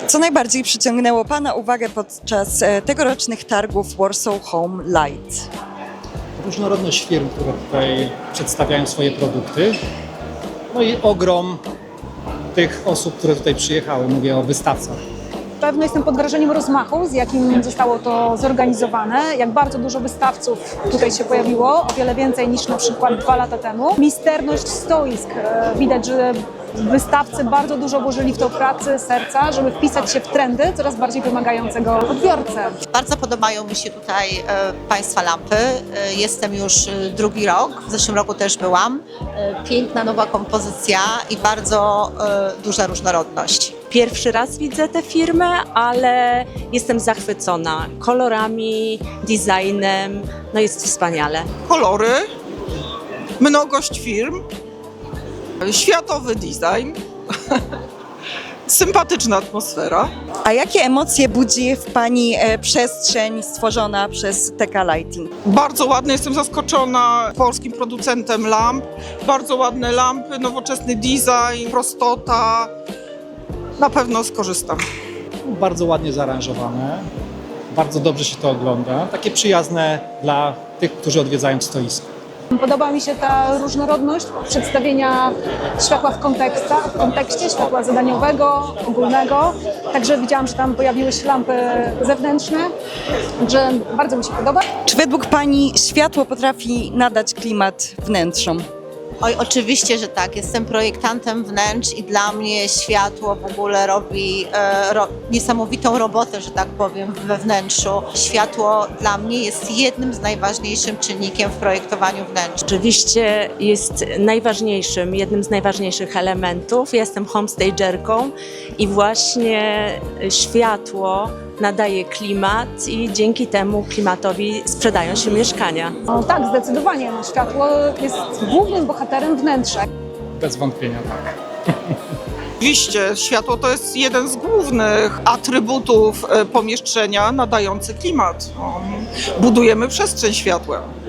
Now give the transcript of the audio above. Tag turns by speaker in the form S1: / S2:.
S1: Co najbardziej przyciągnęło Pana uwagę podczas tegorocznych targów Warsaw Home Light?
S2: Różnorodność firm, które tutaj przedstawiają swoje produkty. No i ogrom tych osób, które tutaj przyjechały. Mówię o wystawcach.
S3: Pewno jestem pod wrażeniem rozmachu, z jakim zostało to zorganizowane, jak bardzo dużo wystawców tutaj się pojawiło, o wiele więcej niż na przykład 2 lata temu. Misterność stoisk. Widać, że wystawcy bardzo dużo włożyli w to pracy, serca, żeby wpisać się w trendy coraz bardziej wymagającego odbiorcę.
S4: Bardzo podobają mi się tutaj Państwa lampy. Jestem już drugi rok, w zeszłym roku też byłam. Piękna nowa kompozycja i bardzo duża różnorodność.
S5: Pierwszy raz widzę tę firmę, ale jestem zachwycona kolorami, designem, no jest wspaniale.
S6: Kolory, mnogość firm, światowy design, sympatyczna atmosfera.
S1: A jakie emocje budzi w Pani przestrzeń stworzona przez TK Lighting?
S6: Bardzo ładne, jestem zaskoczona polskim producentem lamp. Bardzo ładne lampy, nowoczesny design, prostota. Na pewno skorzystam.
S2: Bardzo ładnie zaaranżowane, bardzo dobrze się to ogląda. Takie przyjazne dla tych, którzy odwiedzają stoisko.
S3: Podoba mi się ta różnorodność przedstawienia światła w kontekście światła zadaniowego, ogólnego. Także widziałam, że tam pojawiły się lampy zewnętrzne, także bardzo mi się podoba.
S1: Czy według Pani światło potrafi nadać klimat wnętrzom?
S4: Oj, oczywiście, że tak. Jestem projektantem wnętrz i dla mnie światło w ogóle robi niesamowitą robotę, że tak powiem, we wnętrzu. Światło dla mnie jest jednym z najważniejszym czynnikiem w projektowaniu wnętrz.
S5: Oczywiście jest jednym z najważniejszych elementów. Jestem homestagerką i właśnie światło nadaje klimat i dzięki temu klimatowi sprzedają się mieszkania.
S3: No tak, zdecydowanie. Światło jest głównym bohaterem wnętrza.
S2: Bez wątpienia tak.
S6: Oczywiście światło to jest jeden z głównych atrybutów pomieszczenia nadający klimat. Budujemy przestrzeń światłem.